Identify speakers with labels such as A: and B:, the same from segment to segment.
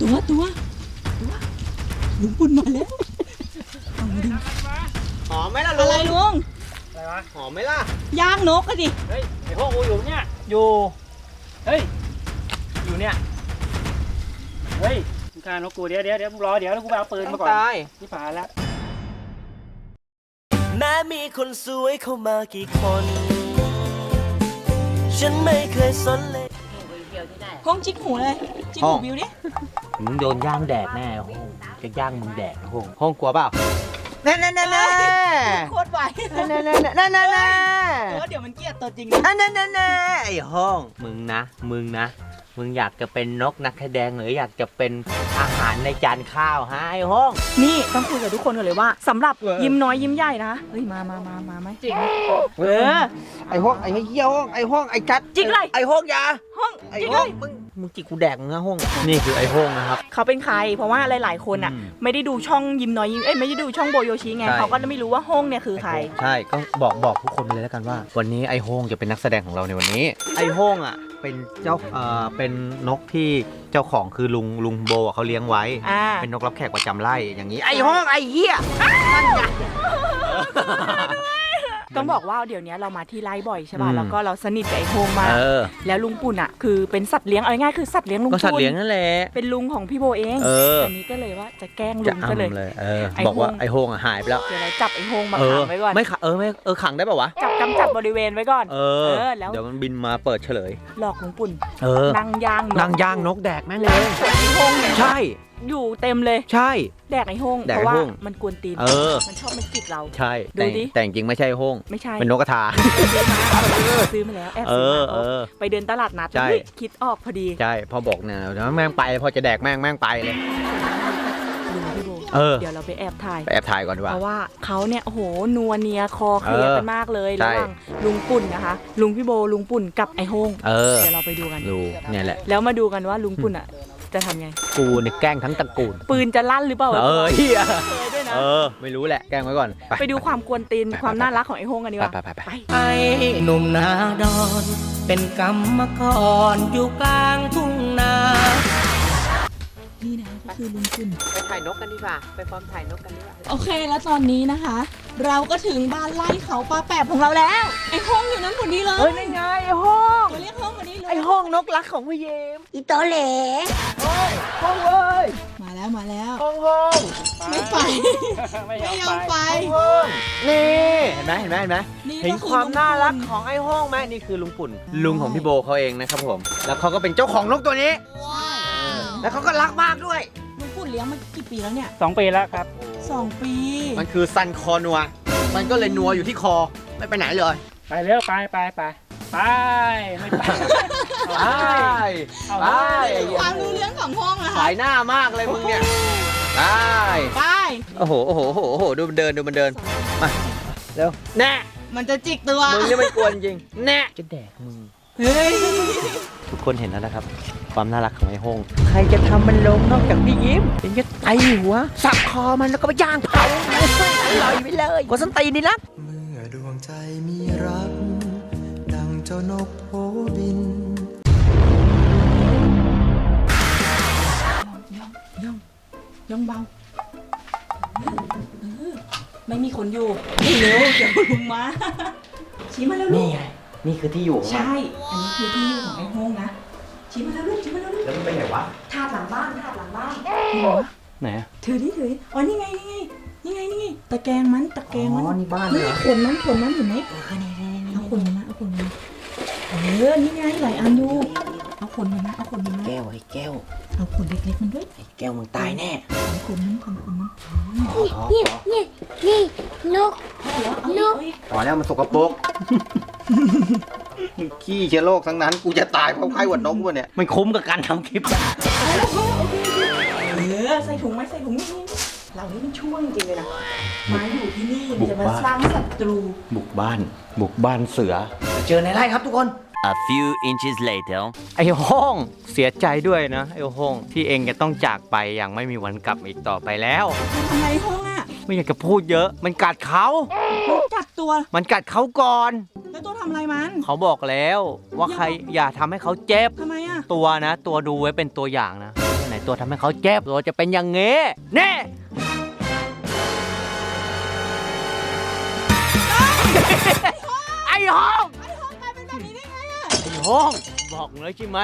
A: ตัวลุงปุ่นมาแล้วเอามาดู
B: หอมไหมล่ะลุ
A: อะ
B: ง
A: ไรลุง
C: อะไรวะ
B: หอมไหมล่ะ
A: ย่างนกอะดิ
C: เฮ้ยไอ้พวกกูอยู่เนี่ยอยู่เฮ้ยอยู่เนี่ยเฮ้ยมึงฆ่านกกูเดี๋ยวมึงรอเดี๋ยวแล้วกูไปเอาปืนมาก่อน
B: ตาย
C: นี่ผ่านแล้ว
D: แม้มีคนสวยเข้ามากี่คน ฉันไม่เคยสนเลย
A: ห้องจิกหูเลยจิกหูบิวดิ
B: มึงโดนย่างแดดแน่ห้องจะย่างมึงแดดห้องกลัวเปล่าแน่
A: โคตรไหว
B: เดี๋ยว
A: เดี๋ยวมันเกลียดตัวจริง
B: ไอ้ห้องมึงมึงอยากจะเป็นนกนักแสดงหรืออยากจะเป็นอาหารในจานข้าวฮะไอ้ห้อง
A: นี่ต้องคุยกับทุกคนกันเลยว่าสำหรับยิ้มน้อยยิ้มใหญ่นะเฮ้ยมาไหมจริง
B: ไอ้ห้องไอ้เหี้ยห้องไอ้ห้องไอ้จัด
A: จิกเลย
B: ไอ้ห้องยา
A: ห้อง
B: ไอ้
A: จิก
B: ห้
A: เล
B: อง
A: ย
B: มึงจิกกูแดกมึงนะห้องนี่คือไอ้ห้องนะครับ
A: เขาเป็นใครเพราะว่าหลายๆคนอ่ะ ไม่ได้ดูช่องยิ้มน้อยยิ้มไม่ได้ดูช่องโบโยชิไง
B: ใช่
A: เขาก็ไม่รู้ว่าห้องเนี่ยคือใคร
B: ใช่ก็บอกทุกคนไปเลยแล้วกันว่า วันนี้ไอ้ห้องจะเป็นนักแสดงของเราในวันนี้ ไอ้ห้องอ่ะเป็นเจ้าเป็นนกที่เจ้าของคือลุงโบเขาเลี้ยงไว้ เป็นนกรับแขกประจำไร่อย่างนี้ไอ้ห้องไอ้เหี้ยนั่นไง
A: ต้องบอกว่าเดี๋ยวนี้เรามาที่ไร่บ่อยใช่ป่ะแล้วก็เราสนิทกับไอ้โฮงมากแล้วลุงปุ่นอ่ะคือเป็นสัตว์เลี้ยงเอาง่ายๆคือสัตว์เลี้ยงลุง
B: ก็
A: ปุ่น
B: สัตว์เลี้ยงนั่นแหละ
A: เป็นลุงของพี่โบเอง อันนี้ก็เลยว่าจะแกล้งลุงก็เลย
B: บอกว่าไอ้โฮงหายไปแล้ว
A: เดี๋ยวเราจับไอ้โฮงมาขังไว้ก่อน
B: ไม่ขังได้ป่าวะ
A: จับบริเวณไว้ก่อนแล้ว
B: เดี๋ยวมันบินมาเปิดเฉลย
A: หลอกลุงปุ่น
B: นั่งย่างนกแดกแม่งเลย
A: ไอ้โฮงเนี่ย
B: ใช่
A: อยู่เต็มเลย
B: ใช่
A: แดกไอ้โฮง
B: แดก
A: เพ
B: ไอ้
A: ราะว่า
B: โฮ่ง
A: มันกวนตีน มันชอบมาจิกเรา
B: ใช่
A: ดูดิ
B: แต่จริงไม่ใช่โฮง
A: ไม่ใช่
B: เป็นนกกระทา
A: ซื้อมาแล้วแอบซื้อมาไปเดินตลาดนัด
B: ใช่
A: คิดออกพอดี
B: ใช่พอบอกเนี่ยแล้วแม่งไปพอจะแดกแม่งไปเลย
A: ลุงพี่โบ เดี๋ยวเราไปแอบถ่าย
B: ไปแอบถ่ายก่อนดีกว่า
A: เพราะว่าเขาเนี่ยโอ้โหนัวเนียคอเคลียร์กันมากเลย
B: ใช่
A: ระหว่างลุงปุ่นนะคะลุงพี่โบลุงปุ่นกับไอ้โฮงเดี๋ยวเราไปดูกัน
B: ดูเนี่ยแหละ
A: แล้วมาดูกันว่าลุงปุ่นอ่ะจะทำไง
B: กูเนี่ยแกล้งทั้งตระกูล
A: ปืนจะลั่นหรือเปล่า
B: เฮีย
A: เคยด้วยนะ
B: ไม่รู้แหละแกล้งไว้ก่อน
A: ไปดูความกวนตีนความน่ารักของไอ้โฮงกันดีกว่า
B: ไป
D: ไอ้หนุ่มนาดอน เป็นกรรมกรอยู่กลางทุ่งนา
A: นี่นะก็คือลุงปุ่น
B: ไปถ่ายนกกันดีกว่าไปฟอร์มถ่ายนกกันดีกว่า
A: โอเคแล้วตอนนี้นะคะ เราก็ถึงบ้านไร่เขาปลาแปบของเราแล้วไอ้โฮงอยู่นั้นคนนี้เลย
B: นั่นไงไอ้ห้อง
A: ตัวเรียกโฮงคนนี้เลย
B: ไอ้ห้องนกรักของพี่เยม
A: อีโตเหล
B: ห้องเว้ย
A: มาแล้ว
B: ห้อง
A: ไม่ไป ไม่ยอมไป
B: นี่เห็นไหม
A: นี่
B: เห็น
A: ก็คือ
B: ความน่ารัก
A: ลุงปุ่น
B: ของไอ้ห้องไหมนี่คือลุงปุ่นลุงของพี่โบเขาเองนะครับผมแล้วเขาก็เป็นเจ้าของนกตัวนี้ แล้วเขาก็รักมากด้วย
A: ลุงปุ่นเลี้ยงมากี่ปีแล้วเนี่ย
C: 2 ปีแล้วครับ
A: 2 ปี
B: มันคือซันคอนัวมันก็เลยนัวอยู่ที่คอไม่ไปไหนเลย
C: ไปเร็วไปไม่ไป ไป
B: ไป
C: เอา
B: ไป
A: ความรู้เรื่องของห้องอะ
B: สา
A: ค่ะ
B: ยหน้ามากเลยมึงเนี่ยไป
A: ไป
B: โอ้โหดูมันเดินมาเร็วแน่
A: มันจะจิกตัว
B: มึงนี่ไม่กวนจริงแน่จะแดกมึง
A: เฮ้ย
B: ทุกคนเห็นแล้วนะครับ ความน่ารักของไอ้โฮงใครจะทำมันลงนอกจากพี่ยิ้มเป็นจะไตหัวสับคอมันแล้วก็ไปย่างเผาอร่อยไปเลยคนส้นตีนนี่ละ
E: เมื่อดวงใจมีรัก ดังเจ้านกโผบิน
A: ย่องเบาไม่มีคนอยู่เร็วเดี๋ยวลุงมาชี้มาแล้วลู
B: นี่
A: ก
B: ไงนี่คือที่อยู่ของมัน
A: ใช่ อันนี้คือที่อยู่ของไอ้โฮงนะชี้มาแล้วลูก
B: แล้วมันไปไหนวะ
A: ถาดหลังบ้าน
B: ไหน
A: ถือดิอ๋อนี่ไงตะแกรงมัน
B: อ๋อนี่บ้านเหรอ
A: ขนมันเห็นไหมเอาขนมันมานี่ไงหลายอันอยู่เอาขนมันมา
B: แก้วไอ้แก้ว
A: เอาขนเล็กๆมันด้วย
B: ไอ้แก้วมึงตายแน่
A: ขนมัน
F: นี่นก
B: พอแล้วมันสกปรกขี้เชื้อโรคทั้งนั้นกูจะตายเพราะไข้หวัดนกวะเนี่ยมันคุ้มกับการทำคลิป
A: ใส่ถุงไหมใส่ถุงนี่เรานี่มันช่วงจริงเลยนะมาอยู่ที่นี่มันจะมาสร้างศัตรู
B: บุกบ้านเสือเจอในไร่ครับทุกคน
D: A few inches later
B: ไอ้ห้องเสียใจด้วยนะไอ้ห้องที่เองจะต้องจากไปอย่างไม่มีวันกลับอีกต่อไปแล้ว
A: ทำไมห้องอ่ะ
B: ไม่อยากจะพูดเยอะมันกัดเขา
A: มันกัดตัว
B: มันกัดเขาก่อน
A: แล้วตัวทำอะไรมัน
B: เขาบอกแล้วว่าใครอย่าทำให้เขาเจ็บ
A: ทำไมอ่ะ
B: ตัวดูไว้เป็นตัวอย่างนะไหนตัวทำให้เขาเจ็บตัวจะเป็นอย่างงี้แน่ไอ้ห้องกลายเป็นแบบนี้ได้ไงอะไอ้ห้องบอกเลยใช่ไหม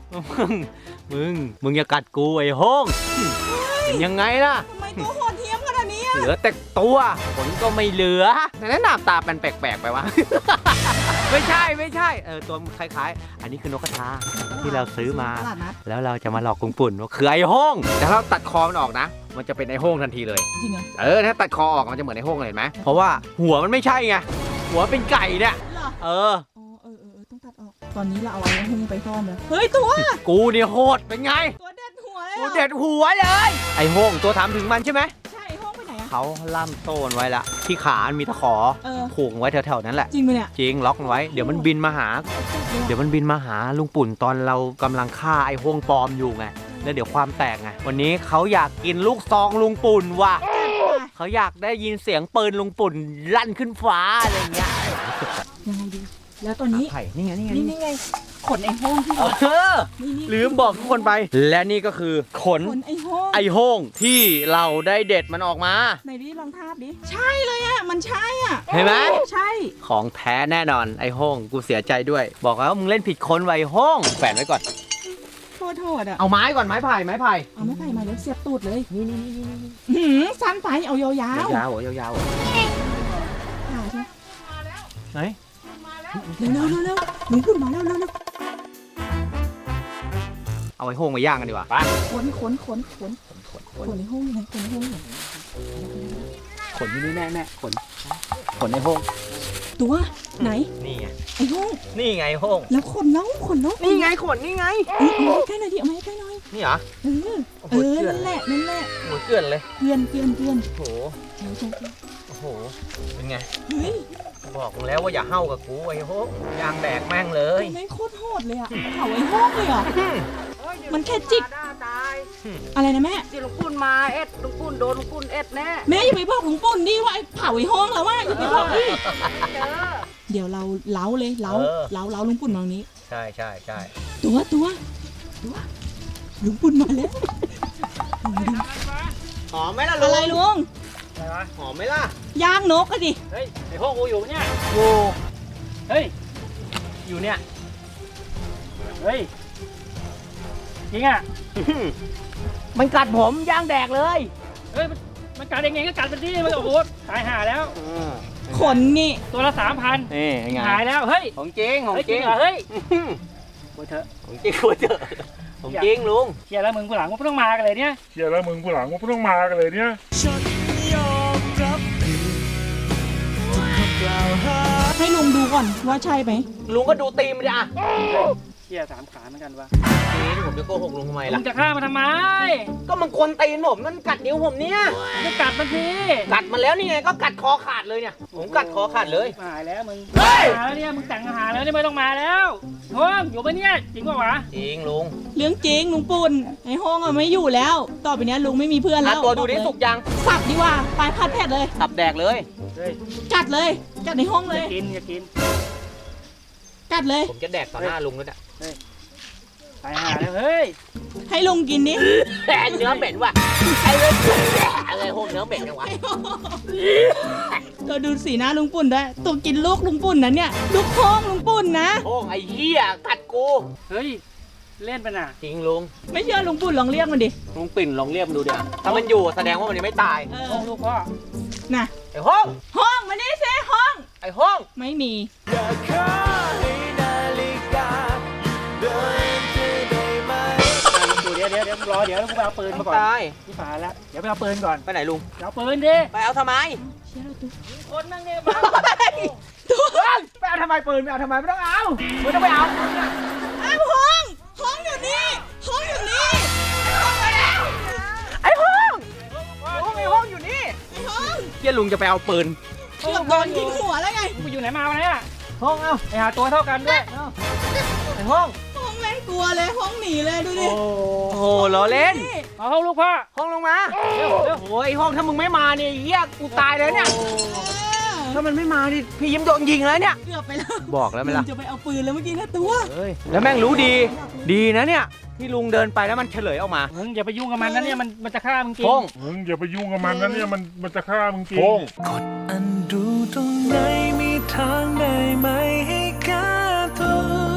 B: มึงอย่ากัดกูไอ้ห้องเป็นยังไงล่ะ
A: ทำไมตัวโหดเหี้ยมขนาดนี้อะ
B: เหลือแต่ตัวขนก็ไม่เหลือแต่หน้าตาเป็นแปลกๆไปวะ ไม่ใช่ตัวมันคล้ายๆอันนี้คือนกกระทาที่เราซื้อมาแล้วเราจะมาหลอกลุงปุ่นว่าคือไอ้ห้องแต่ถ้าเราตัดคอมันออกนะมันจะเป็นไอ้ห้องทันทีเลย
A: จริงเหรอ
B: ถ้าตัดคอออกมันจะเหมือนไอ้ห้องเลยเห็นไหมเพราะว่าหัวมันไม่ใช่ไงหัวเป็นไก่เนี่ย
A: เหรอ
B: เออ
A: ต้องตัดออกตอนนี้เราเอาไอ้หุ้งไปซ่อนเลยเฮ้ยตัว
B: กูเนี่ยโหดเป็นไง
A: ตัวเด็ดหัวเลย
B: กูเด็ดหัวเลยไอ้ห้องตัวถามถึงมันใช่ไหม
A: ใช่ห้องไปไหนอะ
B: เขาล่ามโซ่มันไว้ละที่ขามันมีตะขอผูกไว้แถวๆนั้นแหละ
A: จริงไหมเนี่ย
B: จริงล็อกมันไว้เดี๋ยวมันบินมาหาลุงปุ่นตอนเรากำลังฆ่าไอ้ห้องปลอมอยู่ไงแล้วเดี๋ยวความแตกไงวันนี้เขาอยากกินลูกซองลุงปุ่นว่ะเขาอยากได้ยินเสียงปืนลุงปุ่นลั่นขึ้นฟ้าอะไรเงี้ย
A: ยังไงดีแล้วตอนนี้
B: ไผ่นี่ไง
A: นี่ไงขนไอ้ห้องที่ นี่
B: ลืมบอกทุกคนไป และนี่ก็คือขน
A: ขนไอ้ห้อง
B: ไอ้ห้องที่เราได้เด็ดมันออกมา
A: ไหนดิลองทาบดิใช่เลยอะมันใช่อะ
B: เห็นไหม
A: ใช่
B: ของแท้แน่นอนไอ้ห้องกูเสียใจด้วย บอกแล้วมึงเล่นผิดคนไว้ห้องแฝนไว้ก่อน
A: โทษอะ
B: เอาไม้ก่อนไม้ไผ่
A: เอาไม่ไปมาแล้วเสียบตูดเลยนี่สั้นไปเอายาวๆ
B: ยาวๆเหรอ
A: ขาใช่
B: ไหน
A: เร็วลุงปุ่นมาเร็ว
B: เอาไอ้ห้องมาย่างกันดีกว่าไป
A: ขนไอ้ห้องไหนขนไอ้ห้องไหน
B: ขนที่นี่แน่ขนไอ้ห้อง
A: ตัวไหน
B: นี่ไง
A: ไอ้ห้อง
B: นี่ไงห้อง
A: แล้วขนน้อง
B: นี่ไงขนนี่ไง
A: เอามาใกล้หน่อยดิเอามาใกล้หน่อย
B: นี่เหรอ
A: นั่นแหละ
B: โอ้โหเกลื่อนเลย
A: เกลื่อน
B: โอ้โห โอ้โห เป็นไง
A: เฮ้ย
B: บอกแล้วว่าอย่าเห่ากับกูไอ้โหยางแดกแม่งเลย
A: แม่งโคตรโหดเลยอะเผาไอ้ห้องเลยเหรอมันแค่จิกอะไรนะแม่
F: เดี๋ยวลุงปุ่นมาเอ็ดลุงปุ่นโดนลุงปุ่นเอ็ดแน่
A: แม่อย่าไปบอกลุงปุ่นดิว่าไอ้เผาไอ้ห้องแล้วว่าอย่าไปบอกดิ
F: เจอ
A: เดี๋ยวเราเล้าเลยเล้าลุงปุ่นมาตรงนี้
B: ใช่
A: ตัวลุงปุ่นมาแล้ว
B: หอมไหมล่ะลุ
A: อะไร
B: ง
A: ลุง
C: อะไรวะ
B: หอมไหมล่ะ
A: ย่างนกอะดิ
C: เฮ้ยไอ้ห้องกูอยู่เนี่ย
B: โอ้
C: เฮ้ยอยู่เนี่ยเฮ้ยจริงอ่ะ
B: มันกัดผมย่างแดกเลย
C: เฮ้ยมันกัดยังไงก็กัดไปที่มันโอ้โหตายห่าแล้ว
A: ขนนี่
C: ตัวละ 3,000
B: นี่ไง
C: หายแล้วเฮ้ย
B: ของจริง
C: เฮ้ยจริงเหรอเฮ้ยโอ้ยเถอะ
B: ของจริงคุยเถอะของจริงลุง
C: เชียร์แล้วมึงผู้หลังมึงไม่ต้องมากันเลยเนี่ย
G: เชียร์แล้วมึงกูหลังมึงไม่ต้องมากันเลยเนี่ย
A: ให้ลุงดูก่อนว่าใช่ไหม
B: ลุงก็ดูตีมดิอ่ะ
C: เชียร์3 ขาเหมือนกันวะ
B: นี่ผมจะโกหกลุงทำไม
C: มึ
B: ล่ะ
C: งจะฆ่ามันทำไม
B: ก็มันควนตีนผมมันกัดนิ้วผมเนี่ย
C: มึงจะกัดมันสิ
B: กัดมาแล้วนี่ไงก็กัดคอขาดเลยเนี่ยผมกัดคอขาดเลย
C: หายแล้วมึง
B: เฮ้ย
C: มาแล้วเนี่ยมึงแต่งอาหารแล้วนี่ไม่ต้องมาแล้วโฮ้ยอยู่ปะเนี่ยจริงปะวะ
B: จริงลุง
A: เรื่องจริงลุงปุ่นไอ้ห้องอะไม่อยู่แล้ว ต่อไปเนี้ยลุงไม่มีเพื่อนแล้ว
B: ตัวดูดิสุกยัง
A: สับดีกว่าไปผัดเผ็ดเลย
B: สับแดกเลย
C: เฮ้ย
A: กัดเลยกัดในห้อง
C: อ
A: เลย
C: ย่ากิน
A: กัดเลย
B: ผมจะแดกต่อหน้าลุงด้วยอ่ะ
C: ตายห่าแล้วเฮ้ย
A: ให้ลุงกินดิ
B: แต่เนื้อเหม็นว่ะไอ้เรื่องอะไรโหเนื้อเหม็นจังวะ
A: ตัวดูสีหน้าลุงปุ่นด้วยตัวกินลูกลุงปุ่นนะเนี่ยลูกห้องลุงปุ่นนะ
B: โอ้ไอ้เหี้ยกัดกู
C: เฮ้ยเล่นไปน่ะ
B: จริงลุง
A: ไม่เชื่อลุงปุ่นลองเรียกมันดิ
B: ลุงปิ่นลองเรียกมันดูเดี๋ยวถ้ามันอยู่แสดงว่ามันยังไม่ตาย
C: ห้องลูกพ่อ
A: น่ะ
B: ไอ้ห้อง
A: ห้องมานี่สิห้อง
B: ไอ้ห้อง
A: ไม่มี
C: เดี๋ยวมึงรอเดี๋ยวกูไปเอาปืนมาก่อน
B: ตาย
C: ที่ฝาแล้วเดี๋ยวไปเอาปืนก่อน
B: ไปไหนลุง
C: เอาปืนดิ
B: ไปเอาทำไม
A: เชื่อเราตัว
C: คนนั่งเนี่ยบ้า
B: ไปเอาทำไมปืนไปเอาทำไมไม่ต้องเอาไม่ต้องไปเอา
A: อ้าวห้องห้องอยู่นี่ห้องอยู่นี่
B: ไอ้ห้องลุงไอ้ห้องอยู่นี่
A: ไอ้ห้อง
B: เฮียลุงจะไปเอาปืน
A: เกือบโดนยิงหัวแล้วไง
C: กูอยู่ไหนมาวะเนี่ย
B: ห้องเอา
C: ไปหาตัวเท่ากันด้วย
B: ไอ้ห้อง
A: ห้องแม่งกลัวเลยห้องหนีเลยดูดิ
B: โอ้โหล้อเล่น
C: เอาห้องลูกพ่อ
B: ห้องลงมา
C: เร็ว
B: โอ้ยห้องถ้ามึงไม่มาเนี่ยเฮียกูตายเลยเนี่ย
A: เออ
B: ถ้ามันไม่มาดิพี่ยิ้มโดนยิงแล้วเนี่ย
A: เกือบไปแล้ว
B: บอกแล้วไหมล่ะ
A: จะไปเอาปืนแล้วเมื่อกี้นะตัว
B: เฮ้ยแล้วแม่งรู้ดีนะเนี่ยที่ลุงเดินไปแล้วมันเฉลยออกมา
C: มึงอย่าไปยุ่งกับมันนะเนี่ยมันจะฆ่ามึงกิน
B: พง
G: มึงอย่าไปยุ่งกับมันนะเนี่ยมันจะฆ่ามึงกิน
E: อันดูตรงไหนมีทางได้ไหมให้แก้ตัว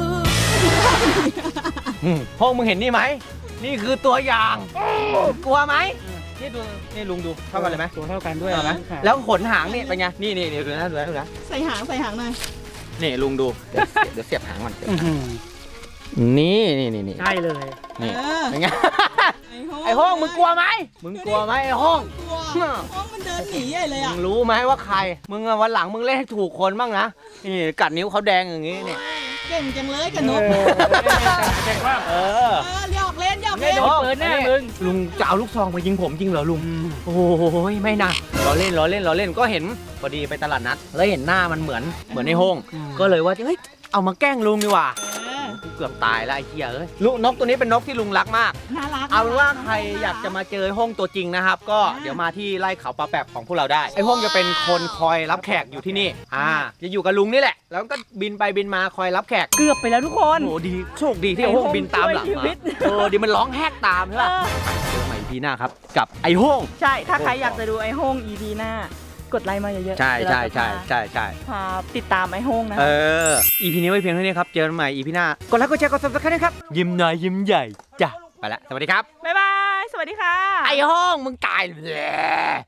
B: พงมึงเห็นนี่ไหมนี่คือตัวอย่างกลัวไหมนี่ดูนี่ลุงดูเท่ากันเลยไหม
C: ตัวเท่ากันด้วย
B: เท่าไหม
C: นะ
B: แล้วขนหางนี่เป็นไงนี่ดูนะดูนะ
A: ใส่หางหน่อย
B: นี่ลุงดูเดี๋ยวเสียบหางมัน
C: อื้อหือ
B: นี่
C: ใช่เลย
B: นี่เป็นไงไอ้ห้องมึงกลัวไหมไอ้ห้อง
A: ห้องมันเดินหนีใหญ่เลย
B: มึ
A: อ่ะ
B: งรู้ไหมว่าใครมึงอะวันหลังมึงเล่นให้ถูกคนบ้างนะนี่กัดนิ้วเขาแดงอย่างงี้เนี่ย
A: เก่งจังเลยกับนก
C: แต่ว่า
B: เออ
A: หยอกเล่น
C: ไม่โดนปืนแน่มึง
B: ลุงจะเอาลูกซองมายิงผมจริงเหรอลุงโอ้ยไม่นะล้อเล่นก็เห็นพอดีไปตลาดนัดแล้วเห็นหน้ามันเหมือนไอ้ห้องก็เลยว่าเฮ้ยเอามาแกล้งลุงดีกว่าเกือบตายแล้วไอ้เหี้ยเอ้ยลูกนกตัวนี้เป็นนกที่ลุงรักมาก
A: น่ารัก
B: เอาเป็นว่าใครอยากจะมาเจอห้องตัวจริงนะครับ ก็เดี๋ยวมาที่ไร่เขาปลาแปบของพวกเราได้ไอ้ห้องจะเป็นคนคอยรับแขกอยู่ที่นี่จะอยู่กับลุงนี่แหละ แล้วก็บินไปบินมาคอยรับแขก
A: เกือบไปแล้วทุกคน
B: โอ้ดีโชคดีที่ไอ้ห้องบินตามหลัง
A: ช่วยชี
B: มา
A: วิต
B: ดีมันร้องแฮกตามใช่ป่ะเจอใหม่พีหน้าครับกับไอ้ห้อง
A: ใช่ ถ้าใครอยากจะดูไอ้โฮง EP หน้ากดไลค์มาเยอะๆ
B: ใช่
A: เดี๋ยวเราจะพาติดตามไอ้โฮงนะ
B: EP นี้ไว้เพียงเท่านี้ครับเจอกันใหม่ EP หน้ากดไลค์กดแชร์กด subscribe นะครับยิ้มน้อยยิ้มใหญ่จ้ะไปละสวัสดีครับ
A: บ๊ายบาย สวัสดีค่ะ
B: ไอ้ห้องมึงตายเลย